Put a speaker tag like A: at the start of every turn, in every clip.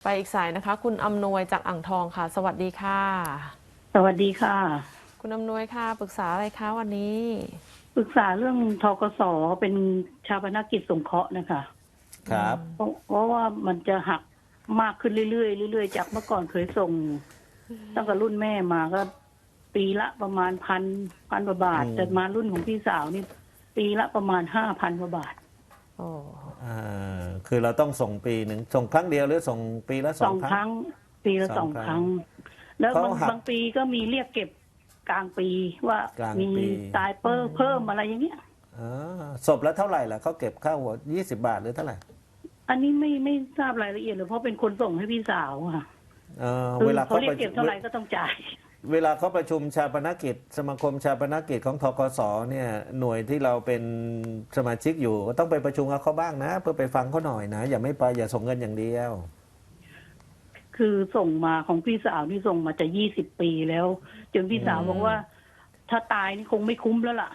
A: ไปอีกสายนะคะ คุณอำนวยจากอ่างทองค่ะ สวัสดีค่ะ
B: สวัสดีค่ะ
A: คุณอำนวยค่ะปรึกษาอะไรคะวันนี้
B: ปรึกษาเรื่องธกสเป็นชาปนกิจสงเคราะห์นะคะ
C: ครับ
B: เพราะว่ามันจะหักมากขึ้นเรื่อยๆเรื่อยๆจากเมื่อก่อนเคยส่งตั้งแต่รุ่นแม่มาก็ปีละประมาณพันกว่าบาทแต่มารุ่นของพี่สาวนี่ปีละประมาณ5,000กว่าบาท
A: โอ้
C: คือเราต้องส่งปีหนึ่งส่งครั้งเดียวหรือส่งปีละสองครั้ง
B: ปีละสองครั้งแล้วบางปีก็มีเรียกเก็บกลางปีว่ามีตายเพิ่มอะไรอย่างเงี้ย
C: ศพแล้วเท่าไหร่ล่ะเขาเก็บค่าหัว20 บาทหรือเท่าไหร่
B: อันนี้ไม่ทราบรายละเอียดเลยเพราะเป็นคนส่งให้พี่สาวค่ะ
C: เวลา
B: เขาเรียกเก็บเท่าไหร่ก็ต้องจ่าย
C: เวลาเขาประชุมชาปนกิจสมาคมชาปนกิจของธกสเนี่ยหน่วยที่เราเป็นสมาชิกอยู่ก็ต้องไปประชุมกับเขาบ้างนะเพื่อไปฟังเขาหน่อยนะอย่าไม่ไปอย่าส่งเงินอย่างเดียว
B: คือส่งมาของพี่สาวนี่ส่งมาจะ20 ปีแล้วจนพี่สาวบอกว่าถ้าตายนี่คงไม่คุ้มแล้วล่ะ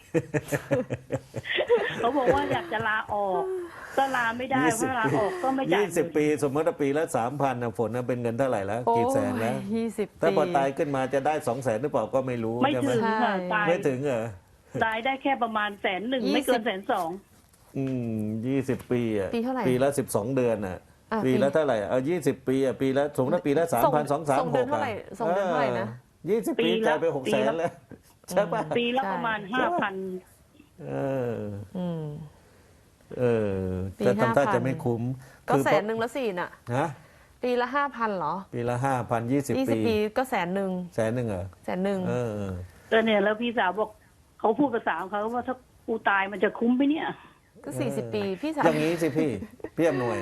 B: เขาบอกว่าอยากจะลาออกก็ลาไม่ได้เพราะลาออกก็ไม่จ่าย
C: 20 ปีสมมติว่าปีละ3,000นะฝนนะเป็นเงินเท่าไหร่แล้วกี่แสนแล้ว
A: 20 ปี
C: ถ้าพอตายขึ้นมาจะได้200,000หรือเปล่าก็ไม่รู้
B: ไม่ถึงค่ะตาย
C: ไม่ถึงเหรอ
B: ตายได้แค่ประมาณ100,000ไม่เกิน120,000
C: 20 ปีอ่ะ
A: ปีเท่าไหร่
C: ปีละ12 เดือนอ่ะปีละเท่าไหร่20 ปีอ่ะปีละสมมติว่าปีละ3,000 2,300
A: ส่งเดือนเท่าไหร่ส่งเดือนเท่าไหร่นะ
C: 20 ปีจ่ายไป600,000แล้วใช่ป่ะ
B: ปีละประมาณ5,000
C: แต่ทำท่าจะไม่คุ้ม
A: ก็100,000ละสิน่ะ
C: ฮะ
A: ปีละ5,000เหรอ
C: ปีละ5,000 20 ปี
A: ก็100,000
C: เหรอ
B: ก็เนี่ยแล้วพี่สาวบอกเขาพูดภาษาของเขาว่าถ้ากูตายมันจะคุ้มไหมเนี่ย
A: ก็40 ปีพี่สาว
C: อย่างนี้สิพี่อำนวย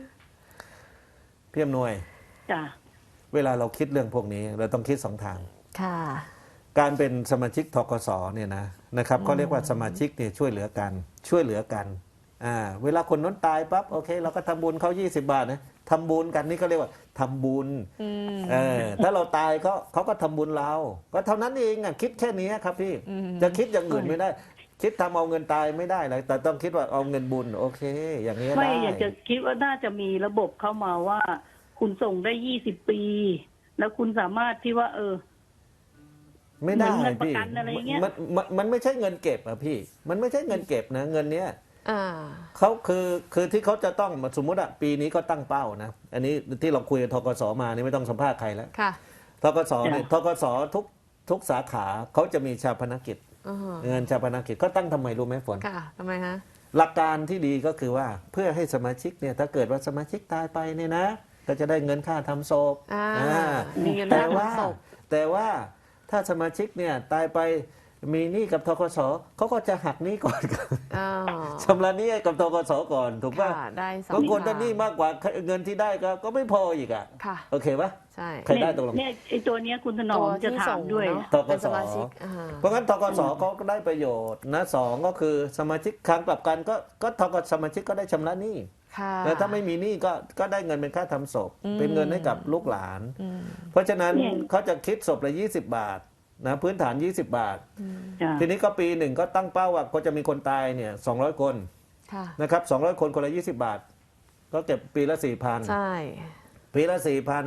B: จ้ะ
C: เวลาเราคิดเรื่องพวกนี้เราต้องคิด2 ทาง
A: ค่ะ
C: การเป็นสมาชิกธกสเนี่ยนะครับเขาเรียกว่าสมาชิกเนี่ยช่วยเหลือกันเวลาคนนั้นตายปั๊บโอเคเราก็ทำบุญเขา20 บาทนะทำบุญกันนี่เขาเรียกว่าทำบุญถ้าเราตายเขาก็ทำบุญเราก็เท่านั้นเองคิดแค่นี้ครับพี่จะคิดอย่างอื่นไม่ได้คิดทำเอาเงินตายไม่ได้เลยแต่ต้องคิดว่าเอาเงินบุญโอเคอย่างนี้ได้
B: ไม่อยากจะคิดว่าน่าจะมีระบบเข้ามาว่าคุณส่งได้20 ปีแล้วคุณสามารถที่ว่า
C: ไม่ได้พี่
B: มัน
C: ไม่ใช่เงินเก็บอะพี่มันไม่ใช่เงินเก็บนะเงินเนี้ยเขาคือที่เขาจะต้องสมมติอะปีนี้ก็ตั้งเป้านะอันนี้ที่เราคุยกับธกสมานี่ไม่ต้องสัมภาษณ์ใครแล้วธกสเนี่ยธกสทุกสาขาเขาจะมีชาปนกิจเงินชาปนกิจก็ตั้งทำไมรู้ไหมฝน
A: ค่ะทำไมฮะ
C: หลักการที่ดีก็คือว่าเพื่อให้สมาชิกเนี่ยถ้าเกิดว่าสมาชิกตายไปเนี่ยนะก็จะได้เงินค่าทำศพ
A: มีเงินค่าทำศพ
C: แต่ว่าถ้าสมาชิกเนี่ยตายไปมีหนี้กับธกสเขาก็จะหักหนี้ก่อนชำระหนี้กับธกสก่อนถูกป่ะบางคนถ้าหนี้มากกว่าเงินที่ได้ก็ไม่พออีกอ่ะโอเคป่ะ
A: ใช่
C: ใครได้ตกลง
B: เนี่ยไอ้ตัวเนี้ยคุณถนอมจะถามด้วย
C: ธกสเพราะงั้นธกสเขาก็ได้ประโยชน์นะ2ก็คือสมาชิกครั้งกลับกันก็ธกสสมาชิกก็ได้ชำระหนี้แล้วถ้าไม่มีหนี้ก็ได้เงินเป็นค่าทำศพเป็นเงินให้กับลูกหลานเพราะฉะนั้นเขาจะคิดศพละ20 บาทนะพื้นฐาน20 บาททีนี้ก็ปีหนึ่งก็ตั้งเป้าว่าก็จะมีคนตายเนี่ย200 คนนะครับ200 คนคนละ20 บาทก็เก็บปีละ 4,000
A: ใช่
C: ปีละ 4,000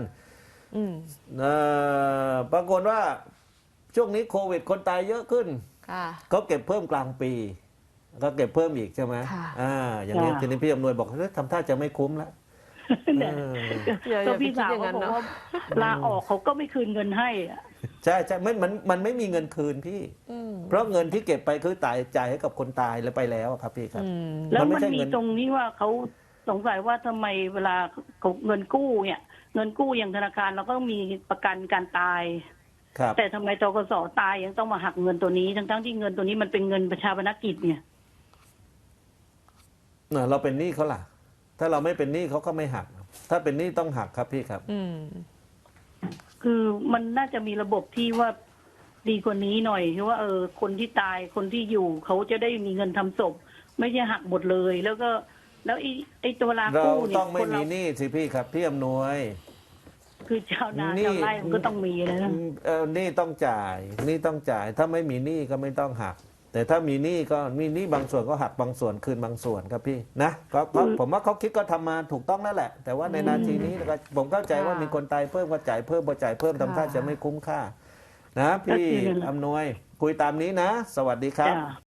C: ปรากฏว่าช่วงนี้โควิดคนตายเยอะขึ้นเขาเก็บเพิ่มกลางปีก็เก็บเพิ่มอีกใช่ไหมอย่างนี้ทีนี้พี่อำนวยบอกทำท่าจะไม่คุ้มแล้ว
B: ก็พี่สาวเขาบอกว่าลาออกเขาก็ไม่คืนเงินให้
C: ใช่มันไม่มีเงินคืนพี่เพราะเงินที่เก็บไปคือจ่ายให้กับคนตายแล้วไปแล้วครับพี่ครับ
B: แล้วมันมีตรงนี้ว่าเขาสงสัยว่าทำไมเวลาเงินกู้เนี่ยเงินกู้อย่างธนาคารเราก็มีประกันการตายแต่ทำไมธกสตายยังต้องมาหักเงินตัวนี้ทั้งที่เงินตัวนี้มันเป็นเงินประชาชนกิจเนี่ย
C: เราเป็นหนี้เขาล่ะถ้าเราไม่เป็นหนี้เขาก็ไม่หักถ้าเป็นหนี้ต้องหักครับพี่ครับ
B: คือมันน่าจะมีระบบที่ว่าดีกว่านี้หน่อยคือว่าคนที่ตายคนที่อยู่เขาจะได้มีเงินทำศพไม่ใช่หักหมดเลยแล้วไอ้ตัวลากู้เนี่ย
C: เราต้องไม่มีหนี้สิพี่ครับพี่อำนวย
B: คือชาวนาชาวไร่มันก็ต้องมีนะ
C: หนี้ต้องจ่ายถ้าไม่มีหนี้ก็ไม่ต้องหักแต่ถ้ามีหนี้ก็มีหนี้บางส่วนก็หักบางส่วนคืนบางส่วนครับพี่นะก็ผมว่าเขาคิดก็ทำมาถูกต้องแล้วแหละ แต่ว่าในนาทีนี้ก็ผมเข้าใจว่ามีคนตายเพิ่มก็จ่ายเพิ่มพอจ่ายเพิ่มทำท่าจะไม่คุ้มค่านะพี่อำนวยคุยตามนี้นะ สวัสดีครับ
B: จ้ะ